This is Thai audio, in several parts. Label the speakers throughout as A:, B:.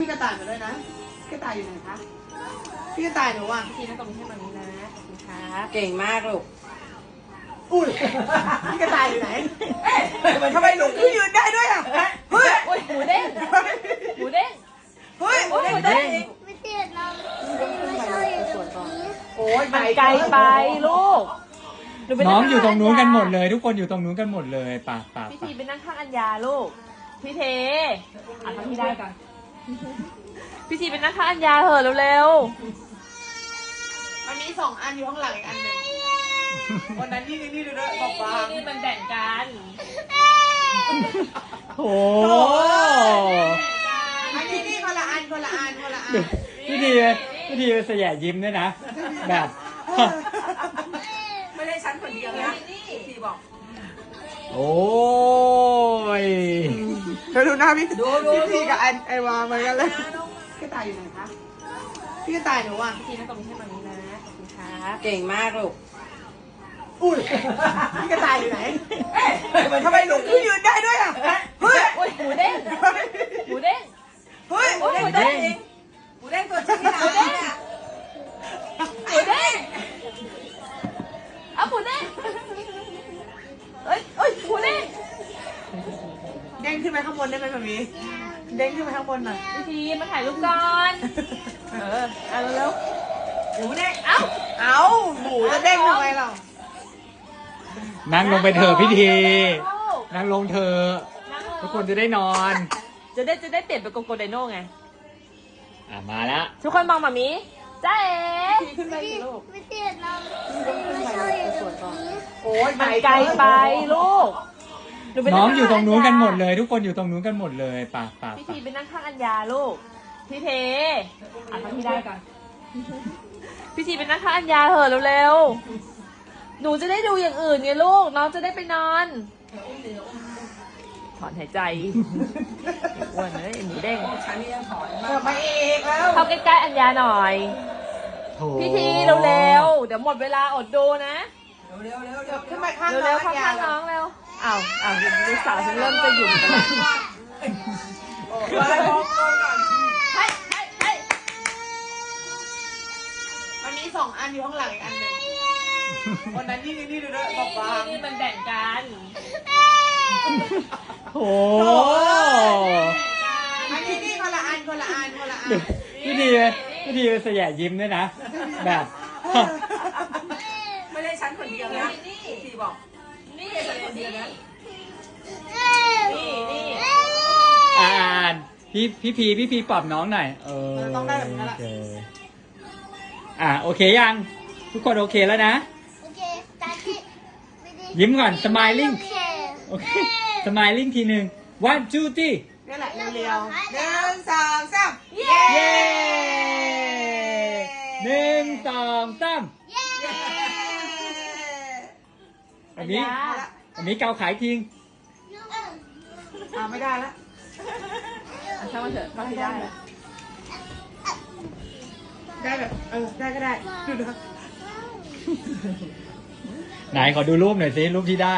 A: พี่กระต่ายมาด้วยนะกระต่ายอยู่ไหนคะพี่กระต่ายหนูอ่ะ
B: พี่นั่งตรงนี้ให้มันนี้นะขอบคุณครับ
C: เก่งมากลูก
A: อุ้ยพี่กระต่ายอยู่ไหนทำไมหนูยืนได้ด้วยอ่ะเฮ้ย
B: โอ้ยหมูเด้งหมูเด้ง
A: เฮ้ย
B: โอ้ยหมูเด้ง
D: ไม่ติดเราไม่ชอบอยู่ตรงนี้
A: โอ้ย
B: มันไกลไปลูกหไป
E: น้องอยู่ตรงนู้นกันหมดเลย ทุกคนอยู่ตรงนู้นกันหมดเลยป่ะ
B: พี่ทีไปนั่งข้างอัญญาลูกพี่เทอ่ะทำพี่ได้ก่อนพี่ทีไปนั่งข้างอัญญาเหอะเร็ว
A: มันมี2 อันอยู่ข้างหลังอีกอันหนึ่งวันนั้นนี่ดูด้วยบอกว่า
B: นี่มันแบ่งกัน
E: โอ้
A: อันนี้นี่คนละอันคนละอันคนละอัน
E: พี่ทีเป็นสยะยิ้มด้วยนะ แบบ
C: ไม่ได้ฉันคนเดียวนะพี่บอก
E: โอ้ย
A: เธอดูหน้าพี่พี่กับไอวาเหมือนกันเลยพี่กระต่ายอยู่ไหนคะพี่กระต่ายหนูอ่ะ
B: พี่นั่งตรงนี้ให้มันนี้นะขอบคุณครับ
C: เก่งมากลูก
A: อุ้ยพี่กระต่ายอยู่ไหนทำไมหนูยืนได้ด้วยอ่ะเฮ้ย
B: โอ้ยหมูเด้งหมูเด้ง
A: เฮ้ย
B: โอ้ยหมูเด้ง
C: หมูเด้งตัวจริงนี่นะ
B: หมูเด้งเอาหมูเด้งเอ้ยหมูเด้ง
A: เด้งขึ้นไปข้างบนได้ไหมแบบนี้เด้งขึ้นไปข้างบนหน่อย
B: พี่ทีมาถ่ายรูปก่อนเอาเร็ว
A: หมูเด้งเอาหมูจะเด้งทำไมเรา
E: นั่งลงไปเถอะพี่ที
B: ลูก
E: นั่งลงเถอะ
B: นั่งลง
E: ทุกคนจะได้นอน
B: จะได้เปลี่ยนเป็นโกโกไดโน่ไง
E: มาแล้ว
B: ทุกคนมองมามีจ้าเอ๋
A: ขึ้นไปสิลูก
D: ไม่ติดเราไม่ชอบอยู่ตรงนี้
A: โอ้ย
B: มันไกลไปลูกหไป
E: น้องอยู่ตรงนู้นกันหมด
B: ข้า
E: เลย ทุกคนอยู่ตรงนู้นกันหมดเลยป่ะ
B: อัญญาพี่ทีไปนั่งข้างอัญญาลูกพี่เทอ่ะทำพี่ได้ก่อนพี่ทีไปนั่งข้างอัญญาเหอะเร็วๆหนูจะได้ดูอย่างอื่นไงลูกน้องจะได้ไปนอนถอนหายใจอ้วนเลยหมูเด้ง
C: ฉันนี่ยังถอน
A: เกิดมาอีกแล้ว
B: เข้าใกล้ๆอัญญาหน่อย
E: โถ
B: พี่ทีเร็วๆเดี๋ยวหมดเวลาอดดูนะ
C: เร็ว
A: ขึ้นไปข้าง
B: เร็วๆเข้าข้างน้องเร็วอ้าวลูกสาวฉันเริ่มจะหยุ่มกันแล้วเฮ้ย
A: มันมี2 อันอยู่ข้างหลังอีกอันหนึ่งวันนั้นนี่ดูด้วยบอกว่า
B: นี่มันแบ่งกัน
E: โอ้
A: อันนี้นี่คนละอันคนละอันคนละอัน
E: พี่ทีเป็นสยะยิ้มด้วยนะ แบบ
C: ไม่ได้ฉันคนเดียวนะพี่บอก
B: นี่
C: ฉันคนเดียวนะ
B: นี่
E: อ่านพี่พีปรับน้องหน่อย
A: ต้องได้แบบนี้แหละ
E: โอเคยัง ทุกคนโอเคแล้วนะ
D: โอเคตาที่
E: ยิ้มก่อน smiling
D: โอเค
E: โอเค smiling ทีหนึ่ง one two three
A: นี่แหละเร็วๆ1 2 3
E: เย้1 2 3
D: เย้
E: อันนี้เกาขายทิ้ง
A: ไม่ได้ละ
B: ช่างมันเถอะก็ให้ได้
A: ได้แบบได้ก็ได้ดูนะ
E: ไหนขอดูรูปหน่อยสิรูปที่ได้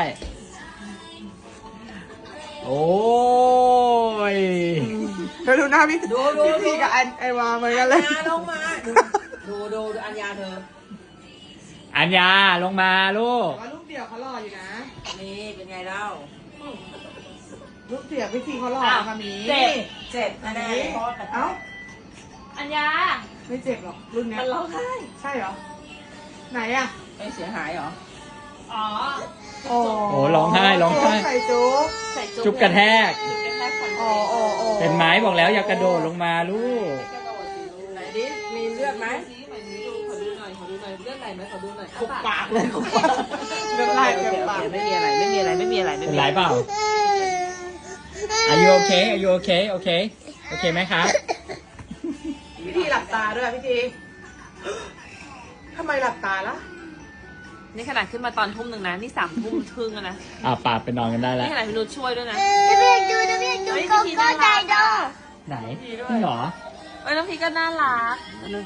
E: โอ้ย
A: เธอดูหน้าพี่พี่กับไอวาเหมือนกันเลย
C: อัญญาลงมาดูอัญญาเธอ
E: อัญญาลงมาลูก
A: ว่ารูปเดี่ยวเขาหล่ออยู่นะ
C: นี่เป็นไงเล่า
A: รูปเดี่ยวพี่ทีเขาหล่อค่ะมี
B: เจ็บ
C: เจ็บแน่ๆเพราะ
A: เอ้า
B: อัญญา
A: ไม่เจ็บหรอกรุ่นเนี้ย
B: มันร้องไห้
A: ใช่เหรอไหนอ่ะ
C: ไม่เสียหายเหรอ
B: อ๋อ
A: โอ้
E: โอ้ร้องไห้ร้องไห้
A: ใส่จุ๊บ
B: ใส่
E: จุ๊บกระแทก
B: จุ๊บกระแทกก่อน
A: โอ้โอ้โอ้
E: เป็นไม้บอกแล้วอย่ากระโดดลงมาลูก
C: ไหนดิมีเลือดไหม
B: ขอดูหน่อยเลือดไหลไหมขอดูหน่อย
A: คุกปากเลยคุกปากเลือดไหลเต็มปาก
C: ไม่มีอะไร
E: เป็นไรเปล่า Are you okay Are you okay โอเคไหมครับ
A: พี่ทีหลับตาด้วยพี่ทีทำไมหลับตาล่ะ
B: นี่ขนาดขึ้นมาตอนทุ่มหนึ่งนะนี่3 ทุ่มครึ่งแล้วนะ
E: ปาดไปนอนกันได้แล้ว
B: นี่ขนาดพี่นุชช่วยด้วยนะ
D: จะเรียกดูโกโก้ไดโด
E: ไหนจริงเหรอ
B: น้องพีก็น่ารัก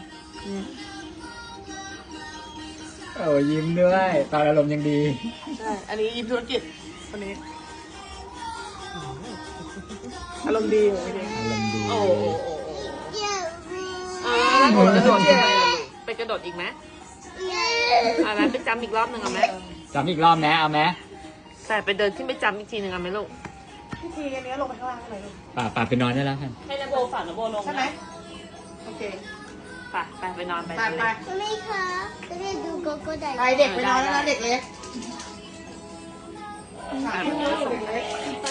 E: โอ้ยิ้มด้วยตอนอารมณ์ยังดี
A: ใช่อันนี้ยิ้มธุรกิจคนนี้อารมณ์ดีเหรอพี่ที
E: อารมณ์ดี
A: โอ้โอ้โอ้างหมดแล้วเนี่ย
B: ไปกระโดดอีกไหมเอาไหมไปจำอีกรอบหนึ่งเอาไหม
E: จำอีกรอบนะเอาไหม
B: แต่ไปเดินขึ้นไปจำอีกทีหนึ่งเอาไหมลูก
A: พี่ทีอันนี้ลงไปข้างล่างทำไมลูก
E: ป่าไปนอนได้แล้วกัน
B: ให้นโบฝากนโบลง
A: ใช่ไหมโอเค
B: ไปนอนไป
A: ไปไป
D: ไม่ค่ะจะได้ดูโกโก้ได้
A: ไปเด็กไปนอนแล้วนะเด็กเล็กสามทุ่มแล้วเด็กเล็ก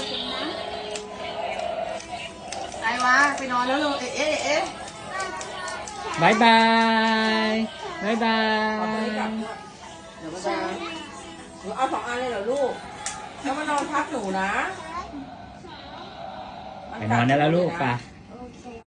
A: ไอ้วะไปนอนแล้วลูกเอ๊ะ
E: บายบายบายบาย
C: เดี๋ยวมันจะหนูเอา2 อันเลยเหรอลูกแล้วมานอนพักหนูนะ
E: ไปนอนได้แล้วลูกป่ะ
C: ไ